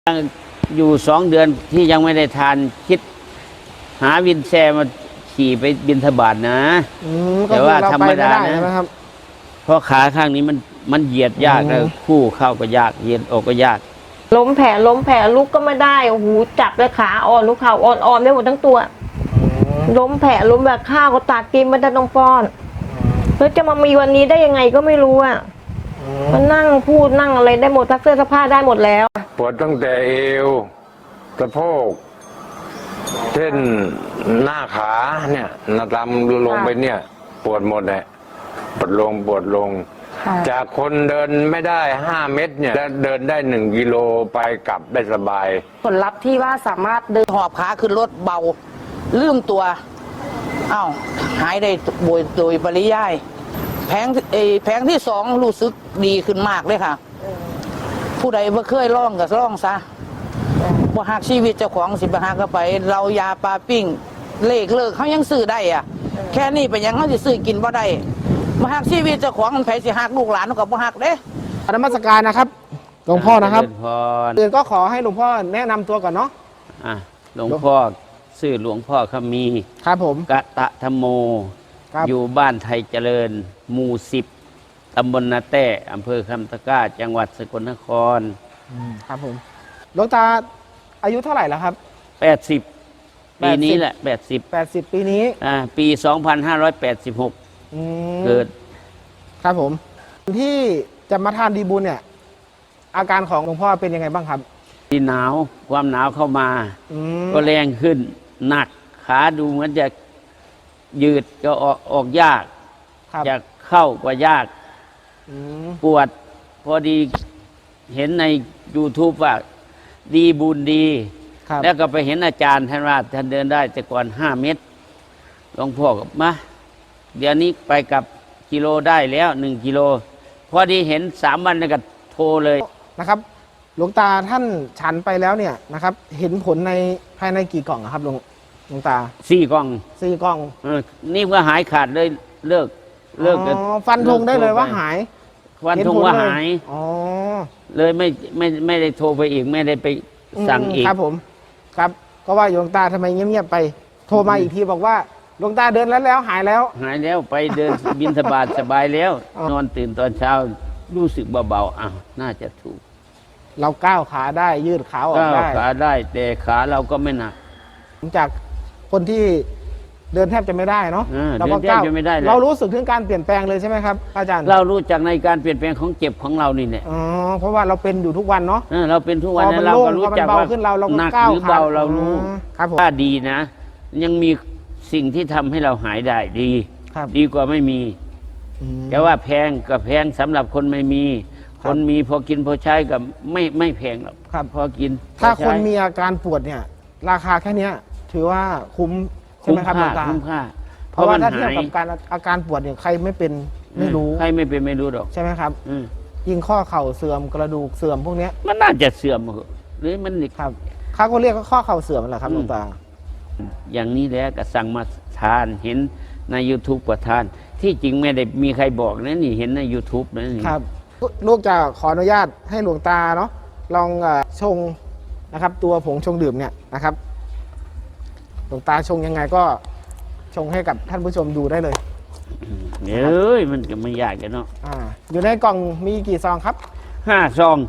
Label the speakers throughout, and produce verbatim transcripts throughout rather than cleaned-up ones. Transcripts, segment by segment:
Speaker 1: อยู่สองเดือนที่ยังไม่ได้ทานคิดหาวินแชร์มาขี่ไปบินทบาทนะแต่ว่าธรรมดานะเพราะขาข้างนี้มันมันเหยียดยากแล้วคู่เข้าก็ยากเหยียดออกก็ยาก
Speaker 2: ล้มแผลล้มแผลลุกก็ไม่ได้โอ้โหจับเลยขาอ่อนลูกเข่าอ่อนอ่อนได้หมดทั้งตัวล้มแผลล้มแบบข้าวก็ตัดกินไม่ได้ต้องป้อนแล้วจะมามีวันนี้ได้ยังไงก็ไม่รู้อ่ะมันนั่งพูดนั่งอะไรได้หมดซักเสื้อซักผ้าได้หมดแล้ว
Speaker 3: ปวดตั้งแต่เอวสะโพกเส้นหน้าขาเนี่ยนาดำลงไปเนี่ยปวดหมดเลยปวดลงปวดลงจากคนเดินไม่ได้ห้าเมตรเนี่ยเดินได้หนึ่งกิโลไปกลับได้สบาย
Speaker 4: ผลลัพธ์ที่ว่าสามารถเดินหอบขาขึ้นรถเบาลืมตัวอ้าวหายได้โดยโดยปริยายแผงเอแผงที่สองรู้สึกดีขึ้นมากเลยค่ะผู้ใดบ่เคยล่องก็ล่องซะบ่หักชีวิตเจ้าของสิบ่หักก็ไปเรายาปลาปิ้งเลขเลิกเขายังซื้อได้อะแค่นี้เป็นยังเขาสิซื้อกินบ่ได้บ่หักชีวิตเจ้าของมันไผสิหักลูกหลานก็บ่หักเด้
Speaker 5: นมัสการนะครับหลวงพ่อนะครับเดือนก็ขอให้หลวงพ่อแนะนำตัวก่อนเนาะ
Speaker 1: อ่ะหลวงพ่อชื่อหลวงพ่อขมี
Speaker 5: ครับผม
Speaker 1: กะตะธรรมโมอยู่บ้านไทยเจริญหมู่สิบตำบลนาแต้อำเภอคำตะกร้าจังหวัดสกลนคร
Speaker 5: ครับผมหลวงตาอายุเท่าไหร่แล้วครับ
Speaker 1: แปดสิบปีนี้แหละแปดสิบ
Speaker 5: แปดสิบปีนี้
Speaker 1: อ่าปีสองพันห้าร้อยแปดสิบหกเกิด
Speaker 5: ครับผมที่จะมาทานดีบุญเนี่ยอาการของหลวงพ่อเป็นยังไงบ้างครับ
Speaker 1: ที่หนาวความหนาวเข้ามาก็แรงขึ้นหนักขาดูเหมือนจะยืดก็ออกออกยากจะเข้าก็ยากปวดพอดีเห็นใน YouTube ว่าดีบุญดีแล้วก็ไปเห็นอาจารย์ท่านว่าท่านเดินได้แต่ก่อนห้าเมตรหลวงพ่อก็มาเดี๋ยวนี้ไปกับกิโลได้แล้วหนึ่งกิโลพอดีเห็นสามวันแล้วก็โทรเลย
Speaker 5: นะครับหลวงตาท่านฉันไปแล้วเนี่ยนะครับเห็นผลในภายในกี่กล่องครับหลวงหลวงตา
Speaker 1: สี่กล่อง
Speaker 5: สี่กล่อง
Speaker 1: นี่ก็หายขาดเลยเลิกเลิกกัน
Speaker 5: ฟันธงได้เลยว่าหาย
Speaker 1: ฟันธงว่าหายอ๋อเลยไม่ไม่ไม่ได้โทรไปอีกไม่ได้ไปสั่งอีก
Speaker 5: ครับผมครับก็ว่าหลวงตาทำไมเงียบๆไปโทรมาอีกทีบอกว่าหลวงตาเดินแล้วแล้วหายแล้ว
Speaker 1: หายแล้วไปเดินบิณฑบาตสบายแล้วนอนตื่นตอนเช้ารู้สึกเบาๆอ้าวน่าจะถูก
Speaker 5: เราก้าวขาได้ยืดขาออกได้
Speaker 1: ก้าวขาได้แต่ขาเราก็ไม่หนัก
Speaker 5: จากคนที่เดินแทบจะไม่ได้เนาะ
Speaker 1: เราก็ก้าว
Speaker 5: เรารู้สึกถึงการเปลี่ยนแปลงเลยใช่ไหมครับอาจารย์
Speaker 1: เรารู้จักในการเปลี่ยนแปลงของเจ็บของเรานี่แหละ
Speaker 5: อ๋อเพราะว่าเราเป็นอยู่ทุกวันเนาะ
Speaker 1: เราเป็นทุกวันเราก็รู้จักว่าหนักหรือเบาเรารู้ถ้าดีนะยังมีสิ่งที่ทำให้เราหายได้ดีดีกว่าไม่มีแต่ว่าแพงก็แพงสำหรับคนไม่มีคนมีพอกินพอใช้กับไม่ไม่แพงหรอกพอกิน
Speaker 5: ถ้าคนมีอาการปวดเนี่ยราคาแค่นี้ถือว่าคุ้มใช่ไหมครับหลวงตา
Speaker 1: คุ้มค่า
Speaker 5: เพราะว่าถ้าเทียบกับการอาการปวดเนี่ยใครไม่เป็นไม่รู้
Speaker 1: ใครไม่เป็นไม่รู้หรอก
Speaker 5: ใช่ไหมครับยิ่งข้อเข่าเสื่อมกระดูกเสื่อมพวกนี้
Speaker 1: มันน่าจะเสื่อมหรือมัน
Speaker 5: ครับเขาก็เรียกข้อเข่าเสื่อมแหละครับหลวงตา
Speaker 1: อย่างนี้แล้วก็สั่งมาทานเห็นใน YouTube กว่าทานที่จริงไม่ได้มีใครบอกนะนี่เห็นใน YouTube นะนี่
Speaker 5: ครับลูกจะขออนุญาตให้หลวงตาเนาะลองชงนะครับตัวผงชงดื่มเนี่ยนะครับหลวงตาชงยังไงก็ชงให้กับท่านผู้ชมดูได้เลย
Speaker 1: เอ้ยมันก็ไม่ยากกันเนาะ
Speaker 5: อ่าอยู่ในกล่องมีกี่ซองครับ
Speaker 1: ห้าซอง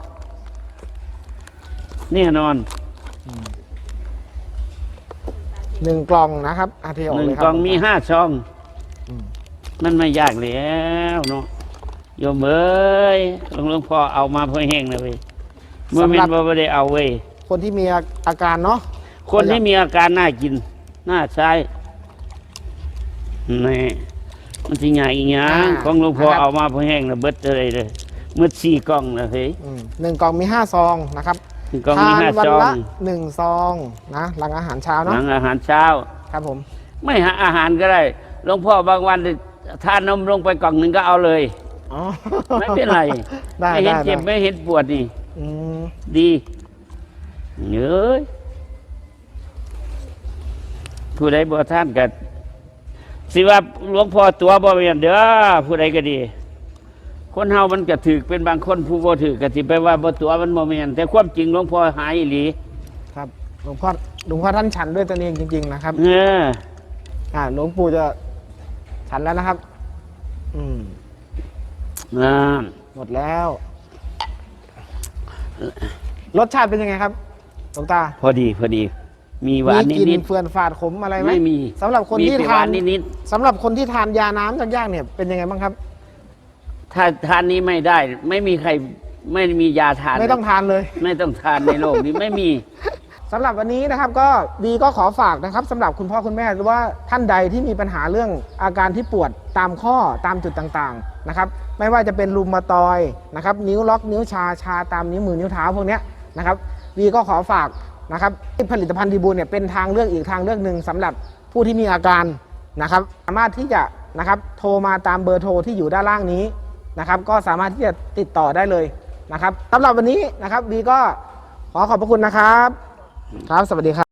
Speaker 1: แน่นอน
Speaker 5: หนึ่งกล่องนะครับอาเทียว
Speaker 1: หนึ่งกล่องมีห้าซองมันไม่ยากแล้วเนาะโยมเอ้ยหลวงพ่อเอามาเพื่อแห้งเลยเว้ยเมื่อมันไม่ได้เอาเว้ย
Speaker 5: คนที่มีอาการเนาะ
Speaker 1: คนที่มีอาการน่ากินน่าใช้นี่มันที่ใหญ่อีกอย่างของหลวงพ่อเอามาเพื่อแห้งแล้วเบิดเลยเลยมืดสี่กล่องนะเฮ้ย
Speaker 5: หนึ่งกล่องมีห้าซองนะครับ
Speaker 1: กล่องมีห้าซอง
Speaker 5: หนึ่งซองนะหลังอาหารเช้าเนาะ
Speaker 1: หลังอาหารเช้า
Speaker 5: ครับผม
Speaker 1: ไม่หาอาหารก็ได้หลวงพ่อบางวันทานนมลงไปกล่องหนึ่งก็เอาเลยไม่เป็นไรไม่เห็นเจ็บไม่เห็นปวดนี่ดีเนื้อผู้ใดบ่ท่านกันสิว่าหลวงพ่อตัวบ่เมียนเด้อผู้ใดก็ดีคนเฮามันก็ถือเป็นบางคนผู้บ่ถือก็สิไปว่าบ่ตัวมันบ่แม่นแต่ความจริงหลวงพ่อหายอีหลี
Speaker 5: ครับหลวงพ่อหลวงพ่อท่านฉันด้วยตนเองจริง ๆ นะครับ
Speaker 1: เออ
Speaker 5: อ่าหลวงปู่จะฉันแล้วนะครับ อืม
Speaker 1: นั่น
Speaker 5: หมดแล้ว รสชาติเป็นยังไงครับหลวงตา
Speaker 1: พอดีพอดี มีหวาน
Speaker 5: มีกลิ่
Speaker 1: นิ
Speaker 5: น
Speaker 1: ด
Speaker 5: เฟื่อนฝาดขมอะไร
Speaker 1: ๆ
Speaker 5: ไหม
Speaker 1: ไม่มี
Speaker 5: สำหรับคนที่
Speaker 1: มีแต่
Speaker 5: ทาน
Speaker 1: หวนิด
Speaker 5: สำหรับคนที่ทานยาน้ำจากย่างเนี่ยเป็นยังไงบ้างครับ
Speaker 1: ๆถ้าทานนี้ไม่ได้ ไม่มีใครไม่มียาทาน
Speaker 5: ไม่ต้องทานเลย
Speaker 1: ไม่ต้องทานในโลกนี้ไม่มี
Speaker 5: สำหรับวันนี้นะครับก็บีก็ขอฝากนะครับสำหรับคุณพ่อคุณแม่หรือว่าท่านใดที่มีปัญหาเรื่องอาการที่ปวดตามข้อตามจุดต่างๆนะครับไม่ว่าจะเป็นรุมาตอยนะครับนิ้วล็อกนิ้วชาชาตามนิ้วมือนิ้วเท้าพวกเนี้ยนะครับบีก็ขอฝากนะครับผลิตภัณฑ์ดีบูลเนี่ยเป็นทางเลือกอีกทางเลือกหนึ่งสำหรับผู้ที่มีอาการนะครับสามารถที่จะนะครับโทรมาตามเบอร์โทรที่อยู่ด้านล่างนี้นะครับก็สามารถที่จะติดต่อได้เลยนะครับสำหรับวันนี้นะครับบีก็ขอขอบพระคุณนะครับครับ สวัสดีครับ